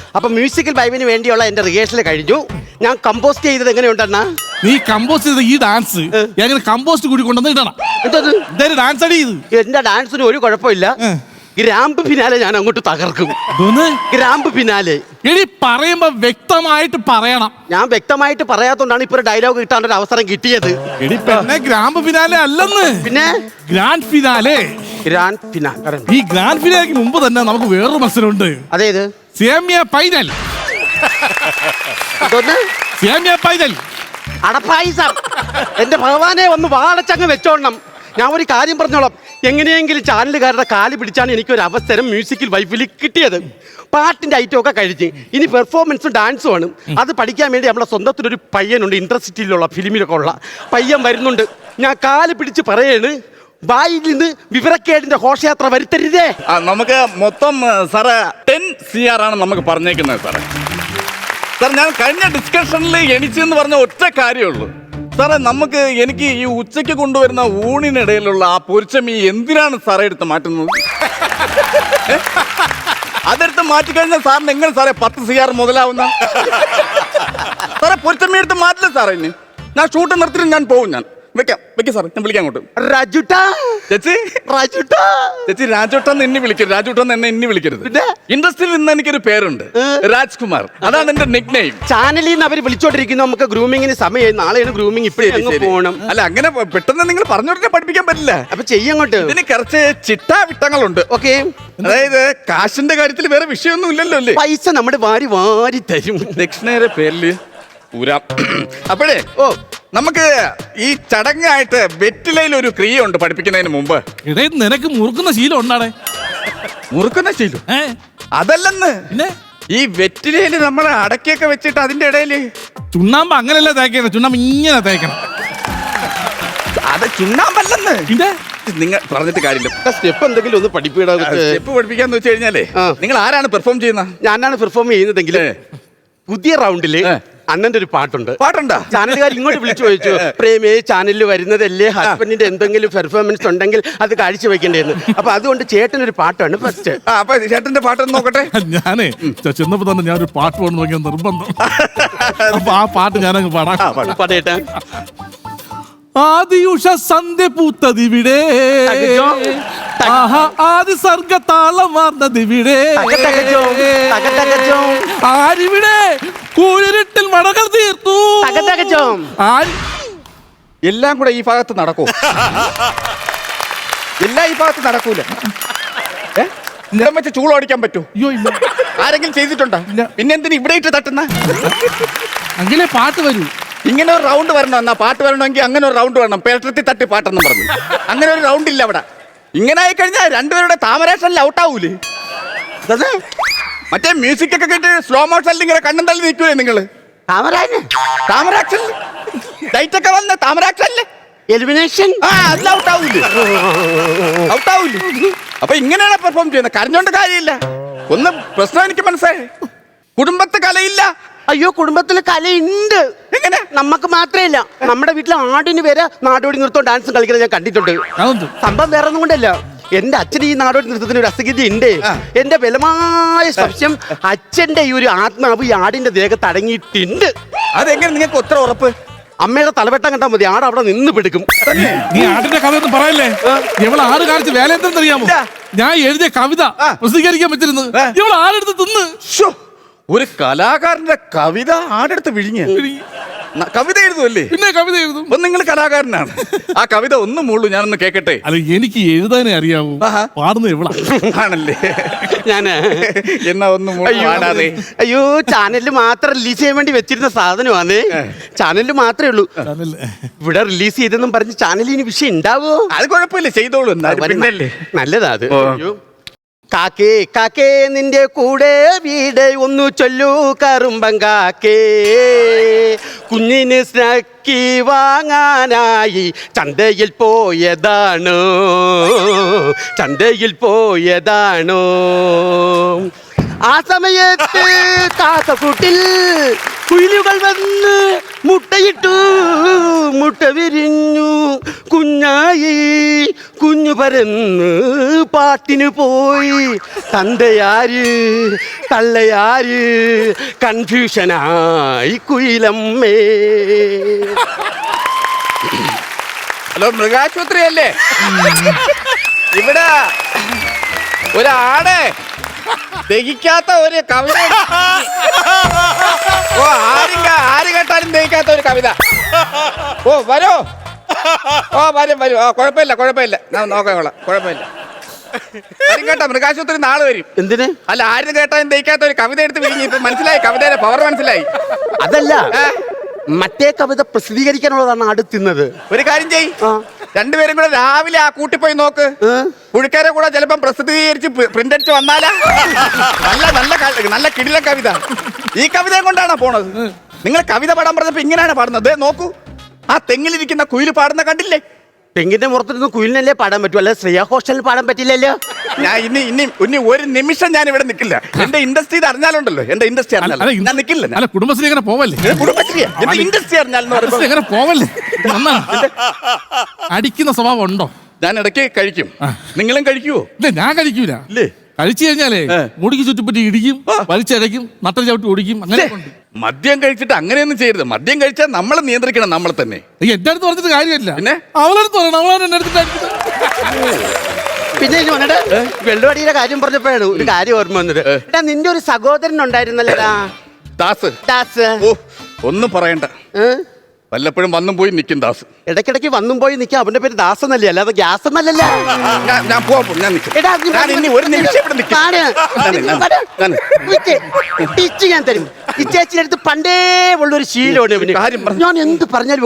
അപ്പൊ മ്യൂസിക്കൽ വൈബിന് വേണ്ടിയുള്ള എന്റെ റിഹേഴ്സൽ കഴിഞ്ഞു. ഞാൻ കമ്പോസ്റ്റ് ചെയ്തത് എങ്ങനെയുണ്ടെന്നാ? നീ കമ്പോസ്റ്റ് ചെയ്ത ഈ ഡാൻസ് എങ്ങനെ കമ്പോസ്റ്റ് കൂടി കൊണ്ടുവന്ന് ഇടണം. എന്തായാലും ഡാൻസ് അടി ചെയ്ത് എന്റെ ഡാൻസിന് ഒരു കുഴപ്പമില്ല. ഗ്രാമ്പ് ഫിനാലെ ഞാൻ അങ്ങോട്ട് തകർക്കും. ഗ്രാമ്പ് ഫിനാലെ എടി പറയുമ്പോ വ്യക്തമായിട്ട് പറയണം. ഞാൻ വ്യക്തമായിട്ട് പറയാത്തോണ്ടാണ് ഇപ്പൊ ഡയലോഗ് കിട്ടാൻ ഒരു അവസരം കിട്ടിയത്. എടി പെണ്ണെ ഗ്രാമ്പ് ഫിനാലെ അല്ലെന്ന്, പിന്നെ ഗ്രാൻഡ് ഫിനാലെ. Grand finale. ഈ ഗ്രാൻഡ് ഫിനാലേക്ക് മുമ്പ് തന്നെ നമുക്ക് വേറൊരു മത്സരമുണ്ട്. അതേത്? സേമിയ ഫൈനൽ. സേമിയ ഫൈനൽ അടപ്പായിസം. എന്റെ ഭഗവാനെ ഒന്ന് വാളച്ചങ്ങ് വെച്ചോണം. ഞാൻ ഒരു കാര്യം പറഞ്ഞോളാം. എങ്ങനെയെങ്കിലും ചാനലുകാരുടെ കാല് പിടിച്ചാണ് എനിക്കൊരു അവസരം മ്യൂസിക്കൽ വൈഫിൽ കിട്ടിയത്. പാട്ടിന്റെ ഐറ്റം ഒക്കെ കഴിഞ്ഞ് ഇനി പെർഫോമൻസും ഡാൻസും ആണ്. അത് പഠിക്കാൻ വേണ്ടി നമ്മളെ സ്വന്തത്തിലൊരു പയ്യനുണ്ട്, ഇൻട്രസ്റ്റിലുള്ള ഫിലിമിലൊക്കെ ഉള്ള പയ്യൻ വരുന്നുണ്ട്. ഞാൻ കാല് പിടിച്ച് പറയാണ്, വായിൽ നിന്ന് വിവരക്കേടിന്റെ ഘോഷയാത്ര വരുത്തരുതേ. നമുക്ക് മൊത്തം സാറ് 10 CR ആണ് നമുക്ക് പറഞ്ഞേക്കുന്നത് സാറേ. സാർ ഞാൻ കഴിഞ്ഞ ഡിസ്കഷനിൽ എണിച്ചെന്ന് പറഞ്ഞ ഒറ്റ കാര്യമുള്ളൂ സാറേ. എനിക്ക് ഈ ഉച്ചയ്ക്ക് കൊണ്ടുവരുന്ന ഊണിനിടയിലുള്ള ആ പൊരിച്ചമീ എന്തിനാണ് സാറേ എടുത്ത് മാറ്റുന്നത്? അതെടുത്ത് മാറ്റിക്കഴിഞ്ഞാൽ സാറിന് എങ്ങനെ സാറേ 10 CR മുതലാവുന്ന? സാറേ പൊരിച്ചമീ എടുത്ത് മാറ്റില്ല സാറേ. ഇനി ഞാൻ ഷൂട്ട് നിർത്തിയിട്ട് ഞാൻ പോകും. ഞാൻ വെക്കാം സാറേ. ഞാൻ വിളിക്കാം അങ്ങോട്ട്. ചേച്ചി രാജുട്ടൻ എന്നെ വിളിക്കരുത്. രാജുട്ടൻ എന്നെ വിളിക്കരുത്. ഇൻഡസ്ട്രിയിൽ നിന്ന് എനിക്കൊരു പേരുണ്ട്, രാജ്കുമാർ. അതാണ് എന്റെ നിക് നെയിം. ചാനലിൽ നിന്ന് അവർ വിളിച്ചോണ്ടിരിക്കുന്നു. നമുക്ക് ഗ്രൂമിങ്ങിന് സമയം. നാളെയാണ് ഗ്രൂമിങ്. ഇപ്പോഴും പോകണം. അല്ല, അങ്ങനെ പെട്ടെന്ന് നിങ്ങൾ പറഞ്ഞോട്ടെ പഠിപ്പിക്കാൻ പറ്റില്ല. അപ്പൊ ചെയ്യങ്ങോട്ട്. ഇതിന് കുറച്ച് ചിട്ടാവിട്ടങ്ങളുണ്ട്. ഓക്കെ. അതായത് കാശിന്റെ കാര്യത്തിൽ വേറെ വിഷയമൊന്നും ഇല്ലല്ലോ അല്ലേ? പൈസ നമ്മുടെ വാരി തരും. ദക്ഷിണയുടെ പേരില് ഊരാം. അപ്പോഴേ നമുക്ക് ഈ ചടങ്ങായിട്ട് വെറ്റിലയിൽ ഒരു ക്രിയ ഉണ്ട് പഠിപ്പിക്കുന്നതിന് മുമ്പ്. ഇടേ നിനക്ക് മുറുക്കുന്ന ശീലം ഉണ്ടാടേ? മുറുക്കുന്ന ശീലം അതല്ലെന്ന്. ഈ വെറ്റിലയിൽ നമ്മൾ അടക്കിയൊക്കെ വെച്ചിട്ട് അതിന്റെ ഇടയില് ചുണ്ണാമ്പ് അങ്ങനെയല്ല തേക്കണം. ചുണ്ണാമ്പ് ഇങ്ങനെ തേക്കണം. അത് ചുണ്ണാമ്പല്ലെന്ന്. നിങ്ങൾ പറഞ്ഞിട്ട് കാര്യമില്ല. സ്റ്റെപ്പ് എന്തെങ്കിലും ഒന്ന് പഠിപ്പിക്കണം. സ്റ്റെപ്പ് പഠിപ്പിക്കാന്ന് വെച്ച് കഴിഞ്ഞാലേ നിങ്ങൾ ആരാണ് പെർഫോം ചെയ്യുന്നത്? ഞാനാണ് പെർഫോം ചെയ്യുന്നതെങ്കിൽ പുതിയ റൗണ്ടില് അണ്ണന്റെ ഒരു പാട്ടുണ്ടാ? ചാനലുകാർ ഇങ്ങോട്ട് വിളിച്ചു ചോദിച്ചു, പ്രേമേ ചാനലിൽ വരുന്നതല്ലേ, ഹസ്ബൻഡിന്റെ എന്തെങ്കിലും പെർഫോമൻസ് ഉണ്ടെങ്കിൽ അത് കാഴ്ചവെക്കേണ്ടതെന്ന്. അപ്പൊ അതുകൊണ്ട് ചേട്ടനൊരു പാട്ടാണ് ഫസ്റ്റ്. അപ്പൊ ചേട്ടന്റെ പാട്ടൊന്ന് നോക്കട്ടെ. ഞാനേ ചെന്നപ്പോ തന്നെ ഞാനൊരു പാട്ട് പാടുന്ന നോക്കിയാൽ നിർബന്ധം. അപ്പൊ ആ പാട്ട് ഞാനങ്ങ് പാടാം. പാടേട്ടാ. ആദിയുഷ സന്ധ്യ പൂത്തതിവിടെ, ആദി സർഗ താളം വാർന്നതിവിടെ, ആരിവിടെ കൂരിരുട്ടിൽ മടകൾ തീർത്തു. എല്ലാം കൂടെ ഈ ഭാഗത്ത് നടക്കൂ? എല്ലാം ഈ ഭാഗത്ത് നടക്കൂല. നിലം വെച്ച് ചൂളോടിക്കാൻ പറ്റൂ? ആരെങ്കിലും ചെയ്തിട്ടുണ്ടോ? പിന്നെ എന്തിനാ ഇവിടെ ഇട്ട് തട്ടുന്ന? അങ്ങനെ പാട്ട് വരൂ. ഇങ്ങനെ ഒരു റൗണ്ട് വരണം. എന്നാ പാട്ട് വരണമെങ്കിൽ അങ്ങനെ ഒരു റൗണ്ട് വരണം. പേട്ടത്തി തട്ടി പാട്ടെന്നും പറഞ്ഞു. അങ്ങനെ ഒരു റൗണ്ട് ഇല്ല അവിടെ. ഇങ്ങനെ ആയി കഴിഞ്ഞാൽ രണ്ടുപേരുടെ താമരാക്ഷനിൽ ഔട്ടാവൂലേ? മറ്റേ മ്യൂസിക് ഒക്കെ കേട്ട് സ്ലോ മോഷനിൽ ഇങ്ങനെ കണ്ണും തള്ളി നിൽക്കൂലേ നിങ്ങള്? താമരാക്ഷൻ ലൈറ്റ് ഒക്കെ വന്ന താമരാക്ഷനില് എലിമിനേഷൻ. ഔട്ടാവൂലേ? അപ്പൊ ഇങ്ങനെയാണ് പെർഫോം ചെയ്യുന്നത്. കരഞ്ഞോണ്ട് കാര്യമില്ല. ഒന്ന് പ്രശ്നം എനിക്ക് മനസ്സിലായി. കുടുംബത്തെ കലയില്ല. അയ്യോ, കുടുംബത്തില് കലയുണ്ട്. എങ്ങനെ? നമുക്ക് മാത്രമല്ല, നമ്മുടെ വീട്ടിലെ ആടിന് വരെ നാടോടി നൃത്തം ഡാൻസും കളിക്കുന്നത് ഞാൻ കണ്ടിട്ടുണ്ട്. സംഭവം വേറെ ഒന്നും കൊണ്ടല്ല, എന്റെ അച്ഛൻ ഈ നാടോടി നൃത്തത്തിന് ഒരു അസഗതി ഉണ്ട്. എന്റെ ബലമായ സംശയം അച്ഛന്റെ ഈ ഒരു ആത്മാവ് ഈ ആടിന്റെ ദേഹത്ത് അടങ്ങിയിട്ടുണ്ട്. അതെങ്ങനെ നിങ്ങൾക്ക് ഒത്ര ഉറപ്പ്? അമ്മയുടെ തലവെട്ടം കണ്ടാൽ മതി, ആട് അവിടെ നിന്ന് പിടിക്കും. നീ ആടിന്റെ കഥ ഒന്നും പറയല്ലേ? ഇവള് ആട് കാണിച്ച് വേല എന്തെന്നറിയാമോ? ഞാൻ എഴുതിയ കവിത പ്രസിദ്ധീകരിക്കാൻ പറ്റിരുന്നത് ഇവള് ആടെടുത്ത് തിന്ന്. ഒരു കലാകാരന്റെ കവിത ആടെടുത്ത് വിഴിഞ്ഞ കവിത എഴുതുമല്ലേ? പിന്നെ കവിത എഴുതും. അപ്പൊ നിങ്ങൾ കലാകാരനാണ്. ആ കവിത ഒന്നും മുള്ളൂ, ഞാനൊന്ന് കേക്കട്ടെ. അല്ല, എനിക്ക് എഴുതാനേ അറിയാവൂ. പാടുന്നത് എവിടെ ആണല്ലേ? ഞാന് എന്നാ ഒന്നും പാടാതെ. അയ്യോ, ചാനലിൽ മാത്രം റിലീസ് ചെയ്യാൻ വേണ്ടി വെച്ചിരുന്ന സാധനമാണ്. ചാനലിൽ മാത്രമേ ഉള്ളൂ. ഇവിടെ റിലീസ് ചെയ്തെന്നും പറഞ്ഞ് ചാനലിന് വിഷയം ഉണ്ടാവോ? അത് കുഴപ്പമില്ല, ചെയ്തോളൂ. പിന്നല്ലേ നല്ലതാ അത്. കാക്കേ കാക്കേ നിന്റെ കൂടെ വീട് ഒന്നു ചൊല്ലൂ കറുമ്പൻ കാക്കേ, കുഞ്ഞിന് സ്നാക്കി വാങ്ങാനായി ചന്തയിൽ പോയതാണോ, ചന്തയിൽ പോയതാണോ. ആ സമയത്ത് കാക്കക്കൂട്ടിൽ കുയിലുകൾ വന്ന് മുട്ടയിട്ടു, മുട്ട വിരിഞ്ഞു കുഞ്ഞായി, കുഞ്ഞു പരന്ന് പാട്ടിന് പോയി. തന്തയാര് തള്ളയാര് കൺഫ്യൂഷനായി കുയിലമ്മേ. ഹലോ, മൃഗാശുപത്രി അല്ലേ? ഇവിടെ ഒരാടെ ദഹിക്കാത്ത ഒരു കവിത. ഓ, ആര് കേട്ടാലും ദഹിക്കാത്ത ഒരു കവിത. ഓ, വരോ? ഓ, വരും. ഓ, കുഴപ്പമില്ല. ഞാൻ നോക്കാം, കുഴപ്പമില്ല. വരും കേട്ടോ, മൃഗാശുപത്രി നാളെ വരും. എന്തിന്? അല്ല, ആരും കേട്ടാലും ദഹിക്കാത്ത ഒരു കവിത എടുത്ത് വിരിഞ്ഞു. ഇപ്പൊ മനസ്സിലായി, കവിതയുടെ പവർ മനസ്സിലായി. അതല്ല, മറ്റേ കവിത പ്രസിദ്ധീകരിക്കാനുള്ളതാണ് അടുത്തുന്നത്. ഒരു കാര്യം ചെയ്, രണ്ടുപേരും കൂടെ രാവിലെ ആ കൂട്ടിപ്പോയി നോക്ക്. പുഴുക്കാരെ കൂടെ ചിലപ്പം പ്രസിദ്ധീകരിച്ച് പ്രിന്റ് അടിച്ച് വന്നാലാ. നല്ല കിടിലൻ കവിത. ഈ കവിതയും കൊണ്ടാണോ പോണത്? നിങ്ങൾ കവിത പാടാൻ പറഞ്ഞപ്പോ ഇങ്ങനെയാണ് പാടുന്നത്. നോക്കൂ, ആ തെങ്ങിലിരിക്കുന്ന കുയില് പാടുന്ന കണ്ടില്ലേ? തെങ്ങിന്റെ മുറത്തിരുന്ന് കുയിലിനല്ലേ പാടാൻ പറ്റൂ, അല്ലെ ശ്രേയ ഘോഷാലിന് പാടാൻ പറ്റില്ലല്ലോ. ഞാൻ ഇനി ഒരു നിമിഷം ഞാൻ ഇവിടെ നിൽക്കില്ല. എന്റെ ഇൻഡസ്ട്രി അറിഞ്ഞാലുണ്ടല്ലോ, എന്റെ ഇൻഡസ്ട്രി അറിഞ്ഞാൽ ഞാൻ നിൽക്കില്ല. അല്ല, കുടുംബശ്രീ എങ്ങനെ പോവല്ലേ? കുടുംബശ്രീ എന്റെ ഇൻഡസ്ട്രി അറിഞ്ഞാൽ എങ്ങനെ പോവല്ലേ? അടിക്കുന്ന സ്വഭാവം ഉണ്ടോ? ഞാൻ ഇടയ്ക്ക് കഴിക്കും. നിങ്ങളും കഴിക്കുവോ? ഇല്ല, ഞാൻ കഴിക്കൂല. ഇല്ലേ? കഴിച്ചു കഴിഞ്ഞാലേ മുടിക്ക് ചുറ്റിപ്പറ്റി ഇടിക്കും, വലിച്ചടയ്ക്കും, നട്ടൽ ചവിട്ടി ഓടിക്കും. അങ്ങനെ മദ്യം കഴിച്ചിട്ട് അങ്ങനെയൊന്നും ചെയ്യരുത്. മദ്യം കഴിച്ചാൽ നമ്മൾ നിയന്ത്രിക്കണം, നമ്മളെ തന്നെ. എന്റെ അടുത്ത് പറഞ്ഞിട്ട് കാര്യമില്ല. പിന്നെ അവളടുത്ത് പറയണം, അവളാണ് എന്റെ അടുത്ത്. പിന്നെ വെള്ളുവടിയുടെ കാര്യം പറഞ്ഞപ്പോഴാണ് ഒരു കാര്യം ഓർമ്മ വന്നത്. എടാ, നിന്റെ ഒരു സഹോദരൻ ഉണ്ടായിരുന്നല്ലോടാ, ദാസ്. ഓ, ഒന്നും പറയണ്ട. വല്ലപ്പോഴും വന്നും പോയി നിൽക്കും ദാസ്. ഇടയ്ക്കിടയ്ക്ക് വന്നും പോയി നിൽക്കും. അവന്റെ പേര് ദാസ് എന്നല്ലേ, അല്ലാതെ ഗ്യാസ് എന്നല്ലല്ലോ. ഞാൻ പോവാം, ഞാൻ നിൽക്കും. ഒരു നിമിഷം ഇവിടെ നിൽക്കും. ഞാൻ തരും. ഈ ചേച്ചിയുടെ അടുത്ത് പണ്ടേ ഉള്ളൊരു ശീലമാണ്. ഞാൻ എന്ത് പറഞ്ഞാലും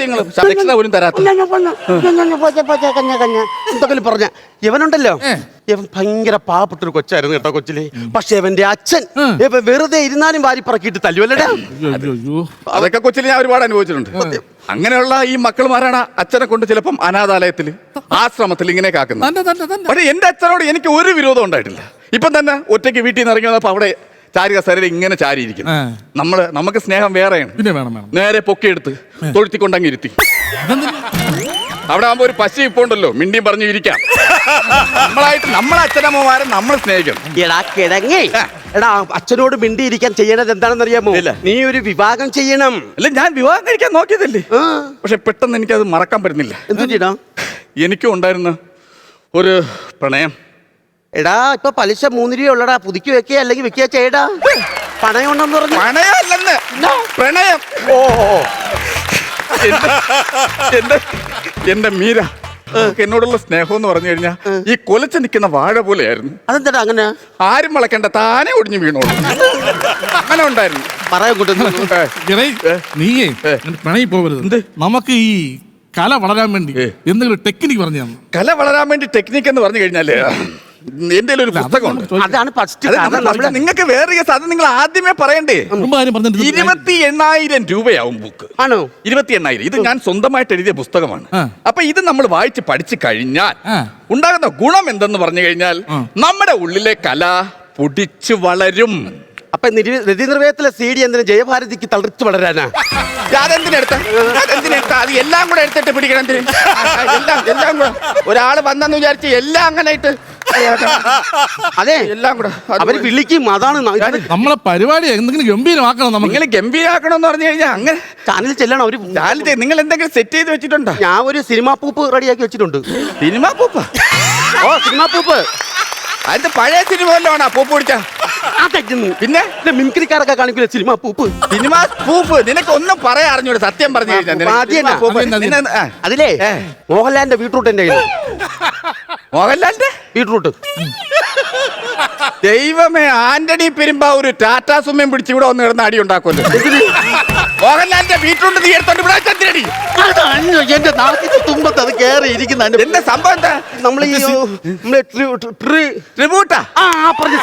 എന്തൊക്കെ പറഞ്ഞ ഇവനുണ്ടല്ലോ, ഇവൻ ഭയങ്കര പാവപ്പെട്ടൊരു കൊച്ചായിരുന്നു കേട്ടോ, കൊച്ചില്. പക്ഷെ ഇവന്റെ അച്ഛൻ വെറുതെ ഇരുന്നാലും വാരി പറക്കിയിട്ട് തല്ലുവല്ലടാ. അതൊക്കെ കൊച്ചില് ഞാൻ ഒരുപാട് അനുഭവിച്ചിട്ടുണ്ട്. അങ്ങനെയുള്ള ഈ മക്കളുമാരാണ് അച്ഛനെ കൊണ്ട് ചിലപ്പം അനാഥാലയത്തില്, ആശ്രമത്തിൽ ഇങ്ങനെ കാക്കുന്നത്. പക്ഷെ എന്റെ അച്ഛനോട് എനിക്ക് ഒരു വിരോധം ഉണ്ടായിട്ടില്ല. ഇപ്പം തന്നെ ഒറ്റയ്ക്ക് വീട്ടിൽ നിന്ന് ഇറങ്ങി വന്നപ്പോ അവിടെ ചാരിക സരയിൽ ഇങ്ങനെ ചാരിയിരിക്കും. നമുക്ക് സ്നേഹം വേറെയാണ്. നേരെ പൊക്കിയെടുത്ത് തൊഴുത്തിക്കൊണ്ടങ്ങ് ഇരുത്തി. അവിടെ ആകുമ്പോ ഒരു പശു ഇപ്പൊ ഉണ്ടല്ലോ, മിണ്ടിയും പറഞ്ഞു ഇരിക്കാം. നമ്മളെ അച്ഛനമ്മമാരെ നമ്മൾ സ്നേഹിക്കണം. എടാ കിടങ്ങേ, എടാ അച്ഛനോട് മിണ്ടിയിരിക്കാൻ ചെയ്യണത് എന്താണെന്ന് അറിയാമോ? നീ ഒരു വിവാഹം ചെയ്യണം. അല്ല, ഞാൻ വിവാഹം കഴിക്കാൻ നോക്കിയതല്ലേ, പക്ഷെ പെട്ടെന്ന് എനിക്കത് മറക്കാൻ പറ്റുന്നില്ല. എന്തിനാ? എനിക്കും ഉണ്ടായിരുന്ന ഒരു പ്രണയം. എടാ, ഇപ്പൊ പലിശ 3 രൂപ ഉള്ളടാ, പുതുക്കി വെക്കുക അല്ലെങ്കിൽ വെക്കുക ചെയ്യടാ. പണയം ഉണ്ടെന്ന് പറഞ്ഞു. പണയമല്ലെന്ന്, പ്രണയം. ഓ, എന്റെ മീര എന്നോടുള്ള സ്നേഹം എന്ന് പറഞ്ഞു കഴിഞ്ഞാൽ ഈ കൊലച്ച് നിൽക്കുന്ന വാഴ പോലെയായിരുന്നു. അതെന്താ അങ്ങനെ? ആരും വളക്കണ്ട, താനെ ഒടിഞ്ഞു വീണോളൂ. അങ്ങനെ ഉണ്ടായിരുന്നു. നീയേ പ്രണയി പോകരുത്. നമുക്ക് ഈ കല വളരാൻ വേണ്ടി എന്തെങ്കിലും ടെക്നിക്ക് പറഞ്ഞു തന്നു. കല വളരാൻ വേണ്ടി ടെക്നിക്ക് എന്ന് പറഞ്ഞു കഴിഞ്ഞാല് എന്റെ ഒരു പുസ്തകമുണ്ട്. അതാണ് ഫസ്റ്റ്. നിങ്ങൾക്ക് വേറെ അത് നിങ്ങൾ ആദ്യമേ പറയണ്ടേ. 28,000 രൂപയാവും ബുക്ക്. ആണോ? 28,000. ഇത് ഞാൻ സ്വന്തമായിട്ട് എഴുതിയ പുസ്തകമാണ്. അപ്പൊ ഇത് നമ്മൾ വായിച്ച് പഠിച്ചു കഴിഞ്ഞാൽ ഉണ്ടാകുന്ന ഗുണം എന്തെന്ന് പറഞ്ഞു കഴിഞ്ഞാൽ നമ്മുടെ ഉള്ളിലെ കല പൊടിച്ചു വളരും. അപ്പൊ രതിനിർവേദത്തിലെ CD എന്തിനാ ജയഭാരതിക്ക് തളിർച്ചു വളരാനാ? അതെന്തിനെടുത്ത അത് എല്ലാം കൂടെ എടുത്തിട്ട് പിടിക്കണം. എല്ലാം കൂടെ ഒരാള് വന്നെന്ന് വിചാരിച്ച് എല്ലാം അങ്ങനെ ഇട്ട് അതെ, എല്ലാം കൂടെ അവര് വിളിക്കും. അതാണ് നമ്മളെ പരിപാടി എന്തെങ്കിലും ഗംഭീരമാക്കണം. നിങ്ങൾ ഗംഭീരാക്കണം എന്ന് പറഞ്ഞു കഴിഞ്ഞാൽ അങ്ങനെ ചാനലിൽ ചെല്ലണം. അവര് ചാനൽ നിങ്ങൾ എന്തെങ്കിലും സെറ്റ് ചെയ്ത് വെച്ചിട്ടുണ്ടോ? ഞാൻ ഒരു സിനിമാ പൂപ്പ് റെഡിയാക്കി വെച്ചിട്ടുണ്ട്. സിനിമാ പൂപ്പ? ഓ, സിനിമാ പൂപ്പ്. അതിന്റെ പഴയ സിനിമ വല്ലോണാ പൂപ്പ് പിടിച്ച? പിന്നെ മിമിക്രിക്കാരൊക്കെ കാണിക്കില്ല സിനിമാ പൂപ്പ്. സിനിമാ പൂപ്പ് നിനക്ക് ഒന്നും പറയാൻ അറിഞ്ഞൂടെ? സത്യം പറഞ്ഞു കഴിഞ്ഞാൽ അതിലേ മോഹൻലാലിന്റെ ബീട്രൂട്ട് എന്റെ കയ്യിൽ. മോഹൻലാലിന്റെ ബീട്രൂട്ട്? ദൈവമേ, ആന്റണി പെരുമ്പാവൂര് ടാറ്റാ സുമ്മയും പിടിച്ച് ഇവിടെ വന്ന് കിടന്ന് അടി ഉണ്ടാക്കുമല്ലോ. മോഹൻലാലിന്റെ ബീട്രൂട്ട് നീ എടുത്തോണ്ട് ഇവിടെ ചന്ദ്രടി. എന്റെ നാട്ടിന്റെ തുമ്പത്ത് അത് കയറി ഇരിക്കുന്ന എന്റെ സംഭവം എന്താ? നമ്മൾ ഈ ട്രിബ്യൂട്ടാ? പറഞ്ഞ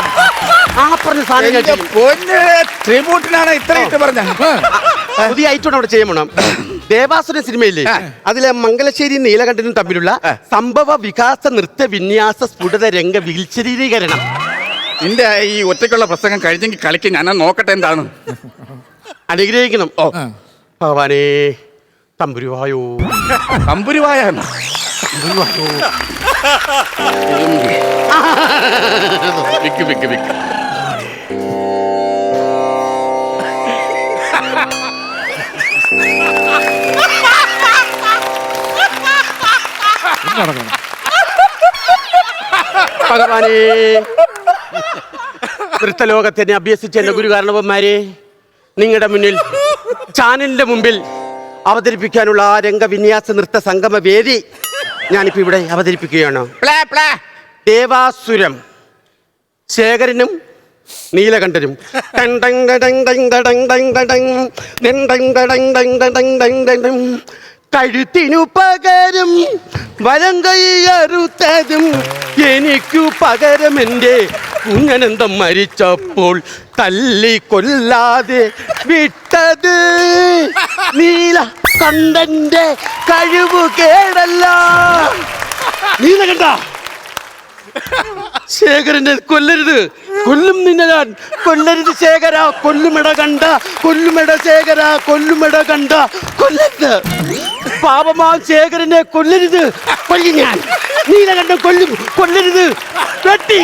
സാധനം ട്രിബ്യൂട്ടിനാണ് ഇത്ര ഇട്ട് പറഞ്ഞ പുതിയ ഐറ്റം അവിടെ ചെയ്യണം. ദേവാസുര സിനിമയില്ലേ, അതിലെ മംഗലശ്ശേരി നീലകണ്ഠനും തമ്മിലുള്ള സംഭവ വികാസ നൃത്ത വിന്യാസ സ്ഫുടത രംഗ വീൽശരീരീകരണം. നിന്റെ ഈ ഒറ്റയ്ക്കുള്ള പ്രസംഗം കഴിഞ്ഞെങ്കിൽ കളിക്ക് ഞാൻ നോക്കട്ടെ എന്താണ്. അനുഗ്രഹിക്കണം. ഓ ഭഗവാനേ തമ്പുരുവായോ തമ്പുരുവായ തമ്പുരുവായോ. വിക്ക് വിക്ക് വിക്ക്. ഭഗവാനേ നൃത്തലോകത്തിനെ അഭ്യസിച്ച എന്റെ ഗുരുകാരണവന്മാരെ, നിങ്ങളുടെ മുന്നിൽ ചാനലിന്റെ മുമ്പിൽ അവതരിപ്പിക്കാനുള്ള ആ രംഗവിന്യാസ നൃത്ത സംഗമ വേദി ഞാനിപ്പോ ഇവിടെ അവതരിപ്പിക്കുകയാണ്. ദേവാസുരം ശേഖരനും നീലകണ്ഠനും. കഴുത്തിനു പകരം വലം കൈയറുത്തതും എനിക്കു പകരം എൻ്റെ കുഞ്ഞനന്തം മരിച്ചപ്പോൾ തല്ലി കൊല്ലാതെ വിട്ടത് നീലകണ്ഠന്റെ കഴിവ് കേടല്ല. നീലകണ്ഠ ശേഖരനെ കൊല്ലരുത്, കൊല്ലും നിന്നെ ഞാൻ. കൊല്ലരുത് ശേഖര, കൊല്ലുമെട കണ്ട, കൊല്ലുമെട ശേഖര, കൊല്ലുമെട കണ്ട, കൊല്ലരുത്. പാപമാ ശേഖരനെ കൊല്ലരുത്, കൊല്ലും ഞാൻ. നീലകണ്ഠൻ കൊല്ലും, കൊല്ലരുത്. വെട്ടി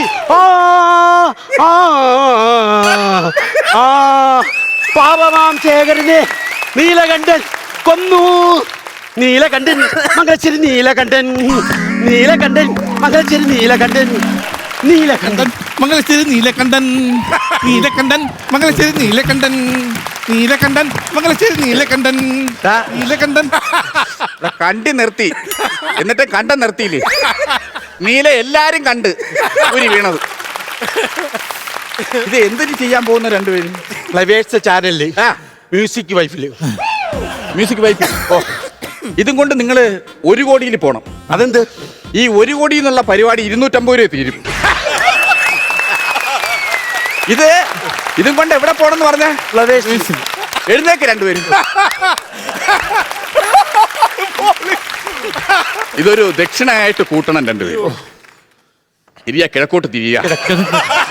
പാപമാം ശേഖരനെ നീലകണ്ഠൻ കൊന്നു. നീലകണ്ഠൻ മംഗലശ്ശേരി നീലകണ്ഠൻ, നീലകണ്ഠൻ മംഗലശ്ശേരി നീലകണ്ഠൻ, നീലകണ്ഠൻ മംഗലശ്ശേരി നീലകണ്ഠൻ, നീലകണ്ഠൻ മംഗലശ്ശേരി നീലകണ്ഠൻ, നീലകണ്ഠൻ മംഗലശ്ശേരി നീലകണ്ഠൻ, നീലകണ്ഠൻ. കണ്ടി നിർത്തി, എന്നിട്ട് കണ്ട നിർത്തിയില്ലേ? നീല എല്ലാരും കണ്ട് ഒരു വീണത്. ഇത് എന്തിനു ചെയ്യാൻ പോകുന്ന രണ്ടുപേരും? ഫ്ലവേഴ്സ് ചാനലില് മ്യൂസിക് വൈഫില്. Music wife. ഓ, ഇതും കൊണ്ട് നിങ്ങൾ 1 കോടിയിൽ പോണം. അതെന്ത്? ഈ 1 കോടി എന്നുള്ള പരിപാടി 250 രൂപ തീരും. ഇതും കൊണ്ട് എവിടെ പോണെന്ന് പറഞ്ഞ? ഫ്ലവേഴ്സ്. എഴുന്നേക്ക് രണ്ടുപേരും. ഇതൊരു ദക്ഷിണയായിട്ട് കൂട്ടണം രണ്ടുപേരും. തിരിയ കിഴക്കോട്ട് തിരിയ.